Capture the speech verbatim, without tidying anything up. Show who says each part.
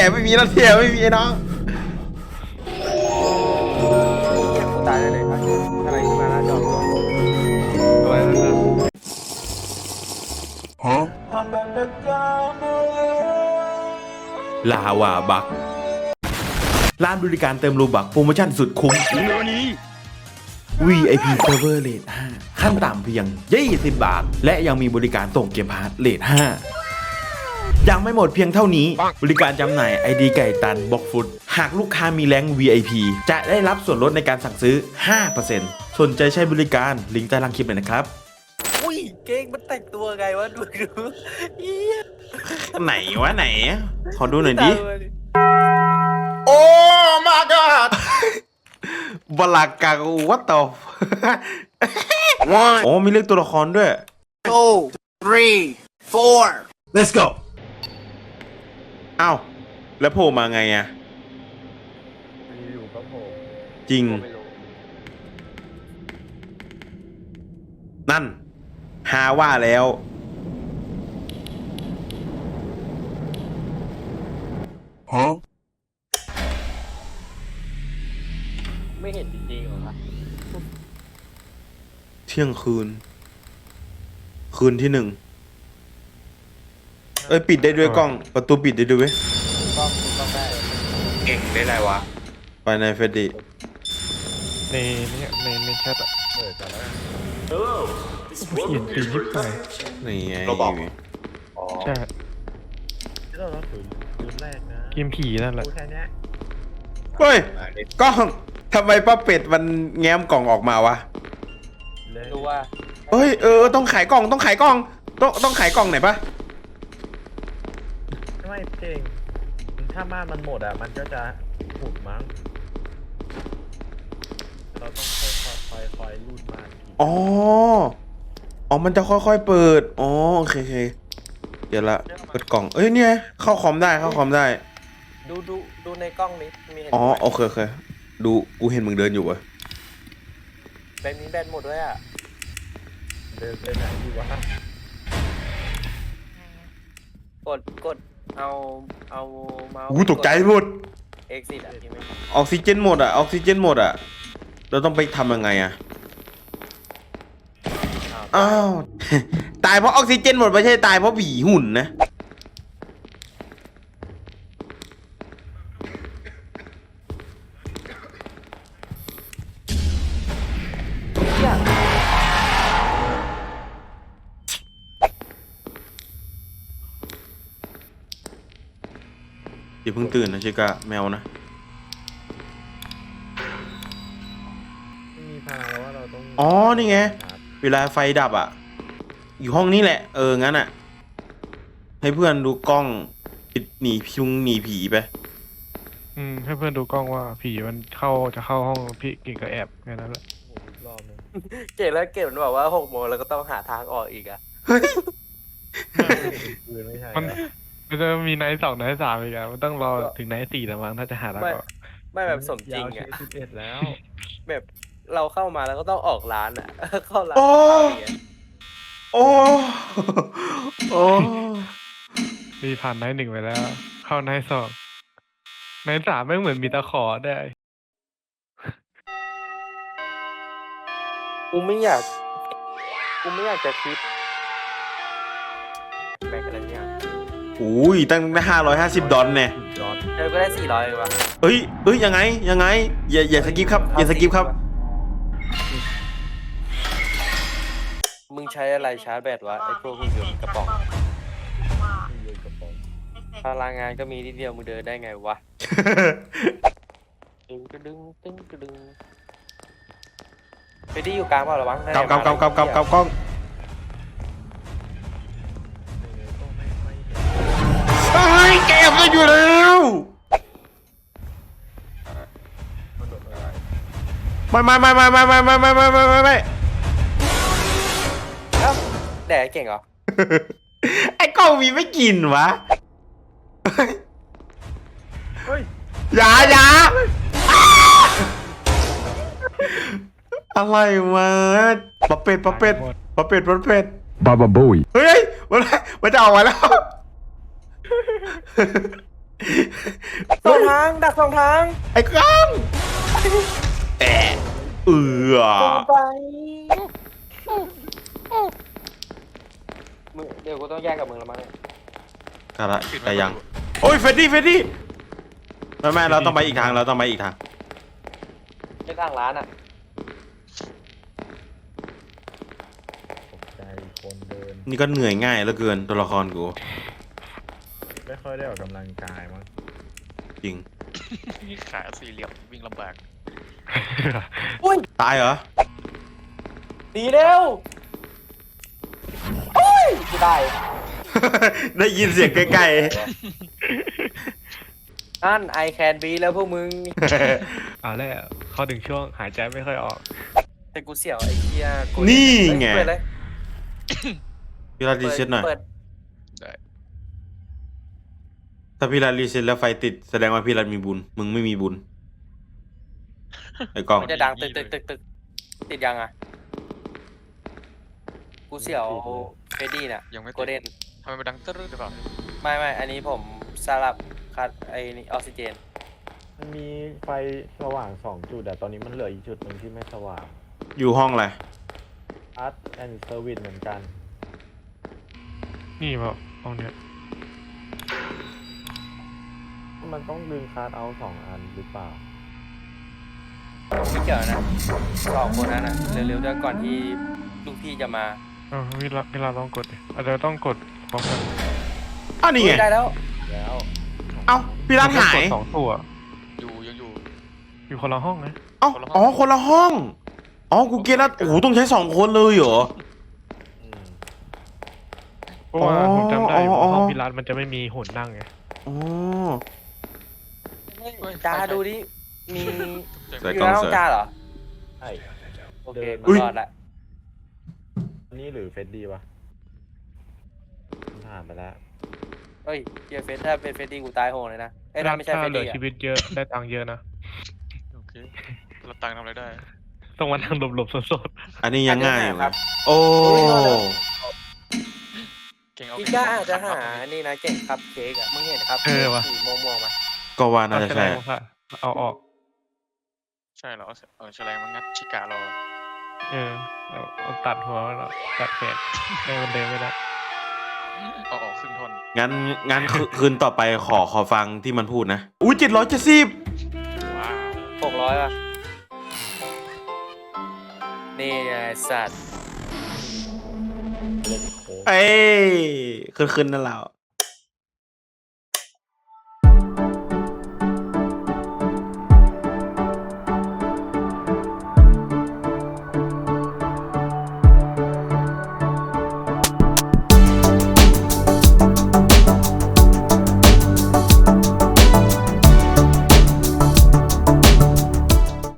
Speaker 1: ไม่มีรถแห่ไม่มีไอ้น้อง
Speaker 2: กูตายได้เลยครับอะไรขึ้นมาหน้าจอตัว
Speaker 3: อะไรนะครับ
Speaker 1: ฮะลาวาบักร้านบริการเติมรูบักโปรโมชั่นสุดคุ้ม วี ไอ พี Server Rate ห้าขั้นต่ำเพียงยี่สิบบาทและยังมีบริการส่งเกมพาร์ทเรทห้ายังไม่หมดเพียงเท่านี้บริการจำหน่าย ไอ ดี ไก่ตันบล็อกฟุตหากลูกค้ามีแรงค์ วี ไอ พี จะได้รับส่วนลดในการสั่งซื้อ ห้าเปอร์เซ็นต์ สนใจใช้บริการลิงก์ใต้ล่างคลิปเลยนะครับ
Speaker 2: อุ้ยเก่งมันแต่งตัวไงวะดูดู
Speaker 1: ไหนวะไหนขอดูหน่อยดิโอ้ my god บลากากูวัตต่อโอ้มีเลขตัวละครด้วย
Speaker 2: two three four
Speaker 3: let's go
Speaker 1: อ้าวแล้วโผล่มาไงอะ
Speaker 2: อยู่ๆก็โผล่
Speaker 1: จริงนั่นหาว่าแล้วฮะ
Speaker 2: ไม่เห็นจริงๆเหรอครับ
Speaker 1: เที่ยงคืนคืนที่หนึ่งเอ้ยปิดได้ด้วยกล้องประตูปิดได้ด้วยเว้ย
Speaker 2: กล้องกล้องได้
Speaker 1: เก่งได้ไรวะไปในเฟดดี้
Speaker 3: ในนี้ในในแชทอ่ะ
Speaker 2: เปิดกันแล้ว
Speaker 3: เขียนปียิบไป
Speaker 1: นี่ไง
Speaker 3: เราบอกใช่
Speaker 2: เราต้องถือคืนแรกนะ
Speaker 3: เกมผีนั่นแหละ
Speaker 2: แค่นี้
Speaker 1: เฮ้ยกล้องทำไมป้าเป็ดมันแง้มกล่องออกมาวะ
Speaker 2: ดูว่า
Speaker 1: เฮ้ยเออต้องขายกล่องต้องขายกล่องต้องต้องขายกล่องไหนปะ
Speaker 2: ไม่เก่งถ้าม่านมันหมดอ่ะมันก็จะหุบมั้งเราต้องค่อยๆค่อยๆค่อยๆรูดม่าน
Speaker 1: อ๋ออ๋อมันจะค่อยๆเปิดอ๋อโอเคโอเคเดี๋ยวละเปิดกล่องเอ้ยเนี่ยเข้าคอมได้เข้าคอมได้
Speaker 2: ดูดูดูในกล้องนี้มีเห็น
Speaker 1: อ๋อโอเคโอเคดูกูเห็นมึงเดินอยู่วะ
Speaker 2: แบนนี้แบนหมดด้วยอ่ะเดินไปไหนดีวะกดกดเอาเอาเมาส์
Speaker 1: กูตกใจหมด
Speaker 2: exit อ่ะที่ไม่
Speaker 1: ออกซิเจนหมดอ่ะออกซิเจนหมดอ่ะเราต้องไปทำยังไงอ่ะอ้าวตายเพราะออกซิเจนหมดไม่ใช่ตายเพราะผีหุ่นนะอย่าเพิ่งตื่นนะชิกะแมวนะ
Speaker 2: มีพาแล้วว่าเราต้อง
Speaker 1: อ๋อนี่ไงเวลาไฟดับอ่ะอยู่ห้องนี้แหละเอองั้นอ่ะให้เพื่อนดูกล้องปิดหนีพิงหนีผีไป
Speaker 3: อืมให้เพื่อนดูกล้องว่าผีมันเข้าจะเข้าห้องพี่เก่งก็แอบแค่นั้นแหละ
Speaker 2: รอบนึงเก่งแล้วเก่งมันบอกว่าหกโมงแล้วก็ต้องหาทางออกอีกอ่ะ
Speaker 3: มันมันจะมีไนท์สองไนท์สามอีกอ่ะมันต้องรอถึงไนท์สี่แต่มั้งถ้าจะหาทางออก
Speaker 2: ไม่แบบสมจริงอ่ะสิบเอ็ดแล้วแบบเราเข้ามาแล้วก็ต้องออกร้านอ่ะเข้าร้าน
Speaker 1: โอ้โอ้โอ้
Speaker 3: มีผ่านไนท์หนึ่งไปแล้วเข้าไนท์สองไนท์สามไม่เหมือนมีตะขอได้
Speaker 2: กูไม่อยากกูไม่อยากจะคิดแบกอะไรเนี่ย
Speaker 1: อุ้ยตั้งห้าร้อยห้าสิบดอลเนี่ย
Speaker 2: เธอก็ได้สี่ร้อยเลยวะ
Speaker 1: เฮ้ยเฮ้ยยังไงยังไงอย่าอย่าสกิปครับอย่าสกิปครับ
Speaker 2: มึงใช้อะไรชาร์จแบตวะไอ้พวกหุ่นยนต์กระป๋องพลังงานก็มีนิดเดียวมึงเดินได้ไงวะดึงกระดึงตึ้งกระดึงไปที่อยู่กลางเปล่าระวัง
Speaker 1: กำกำกำกำกำกำกล้องเฮ้ยแกมันอยู่แล้วไม่ไม่ไม่ไม่ไม่ไม่ไม่ไม่ไม่ไม่ไม่ไม่
Speaker 2: เอ้าแดกเก่งเหรอ
Speaker 1: ไอ้กล้องมีไม่กินวะ
Speaker 2: เฮ้ย
Speaker 1: อย่าอย่าอะไรวะปะเป็ดปะเป็ดปะเป็ดปะเป็ด
Speaker 4: บาบาบุย
Speaker 1: เฮ้ยมันมันจะออกมาแล้ว
Speaker 2: สองทางดักสองทาง
Speaker 1: ไอ้กล้องแอะเอือ
Speaker 2: ไปมึงเดี๋ยวกูต้องแยกกับมึงแล้วมั้งเนี่ย
Speaker 1: กะละแต่ยังโอ้ยเฟดดี้เฟดดี้ไม่ไม่เราต้องไปอีกทางเราต้องไปอีกทาง
Speaker 2: เป็นทางร้านอ่ะ
Speaker 4: ใจคนเดิน
Speaker 1: นี่ก็เหนื่อยง่ายเหลือเกินตัวละครกู
Speaker 4: ไม่ค่อยได้ออกกำลังกายมั้ง
Speaker 1: จริง
Speaker 5: นี่ขาสี่เหลี่ยมวิ่งลำบาก
Speaker 2: อุ้ย
Speaker 1: ตายเหรอ
Speaker 2: ดีเร็วโอ้ยกูได้
Speaker 1: ได้ยินเสียงใกล้
Speaker 2: นั่น I can be แล้วพวกมึง
Speaker 3: เอาแล้วเขาถึงช่วงหายใจไม่ค่อยออก
Speaker 2: แต่กูเสี่ยวไอ้เหี้ยกู
Speaker 1: ๆนี่ไง
Speaker 2: เปิดเลย
Speaker 1: พี่รัดรีเซ็ตหน่อย
Speaker 2: เปิด
Speaker 5: ได้
Speaker 1: ถ้าพี่รัดรีเซ็ตแล้วไฟติดแสดงว่าพี่รัดมีบุญมึงไม่มีบุญไอ้กล้อง
Speaker 2: มันจะดังตึกตึกตึกตึกติดยังอ่ะ กูเสี่ยวเฟดดี้น่ะ
Speaker 5: ยังไม่
Speaker 2: โก
Speaker 5: ติด
Speaker 2: เด้น
Speaker 5: ทำไมมันดังตึ๊ดหรือเปล่า
Speaker 2: ไม่ไม่อันนี้ผมสลับคัดไอ้นี่ออกซิเจน
Speaker 4: มันมีไฟสว่างสองจุดแต่ตอนนี้มันเหลืออีกจุดหนึ่งที่ไม่สว่าง
Speaker 1: อยู่ห้องอะไร
Speaker 4: อาร์ตแอนด์เซอร์วิสเหมือนกัน
Speaker 3: นี่เปล่าห้องเนี้ย
Speaker 4: มันต้องดึงคาร์ดเอาสองอันหรือเปล่า
Speaker 2: ไม่เกี่ยวนะสองคนนั้นอ่ะเร็วๆด้วยก่อนที่ลูกพี่จะมา
Speaker 3: เออเวลาเวลาลองกดดิอาจจะต้องกดพร้อมกัน
Speaker 1: อ้าวนี่ไง
Speaker 2: ได้แล้ว
Speaker 4: แล้ว
Speaker 1: เอ้าพี่รัดหาย
Speaker 3: กดสองตัว
Speaker 5: อยู่ยังอยู่
Speaker 3: อยู่คนละห้องนะ
Speaker 1: เอ้าอ๋อคนละห้องอ๋อกูเก็ตแล้วโอ้โหต้องใช้สองคนเลยเหรอ
Speaker 4: อืม
Speaker 3: เพราะว่า
Speaker 1: อ๋อ
Speaker 3: ผมจำได้อยู่
Speaker 1: อ๋อ
Speaker 3: ว่าห้องพิรัตมันจะไม่มีหุ่นนั่งไง
Speaker 1: อ๋อ
Speaker 2: จ้าดูดิมี
Speaker 1: ใส่
Speaker 2: อยู่
Speaker 1: กล้อง
Speaker 2: ในห้อง
Speaker 1: เสริม
Speaker 2: จ้าเหรอ
Speaker 4: ใช่
Speaker 2: โอเค
Speaker 4: เดิน
Speaker 2: กู
Speaker 1: อุ๊ย
Speaker 2: รอดละ
Speaker 4: อันนี้หรือเฟดดี้ปะผ่านไปแล้ว
Speaker 2: เฮ้ยเฮียเฟสถ้าเป็นเฟสดี้กูตายโหงเลยนะเอ้ยนั่นไม่ใช่
Speaker 3: ถ้า
Speaker 2: เฟส
Speaker 3: เหลือ
Speaker 2: ดี้
Speaker 3: ชี
Speaker 2: อ่ะ
Speaker 3: วิตเยอะได้ตังค์เยอะนะ
Speaker 5: โอเคเราตังค์ทำอะไรได้
Speaker 3: ต้องมานั่งหลบๆสด
Speaker 1: อันนี้ยังง่ายอยู่นะโอ้
Speaker 5: เก่งเอา
Speaker 2: พี่ก้าอาจจะหานี่นะเก่งคัพเค้กอ่ะมึงเห็นครับสีม่วงๆไหม
Speaker 1: ก็ว่า
Speaker 3: ๆ
Speaker 1: น่าจะ
Speaker 3: เอา
Speaker 1: ใช่
Speaker 3: แฉลงมาค่ะเอาออก
Speaker 5: ใช่เหรอเอาเอาแฉลงมางัดชิกาเรา
Speaker 3: เออเอาเอาตัดหัวมันออกตัดแขนให้มันเดินไม่ได้
Speaker 5: เอาออกครึ่งท่อน
Speaker 1: งั้นงั้นคืคืนต่อไปขอขอฟังที่มันพูดนะอุ้ยเจ็ดร้อยเจ็ดสิบ
Speaker 5: ว้าว
Speaker 2: หกร้อยป่ะนี่ไงสัตว์
Speaker 4: เล่นโค้ก
Speaker 1: เอ้ยคืนคืนนั่นแหละ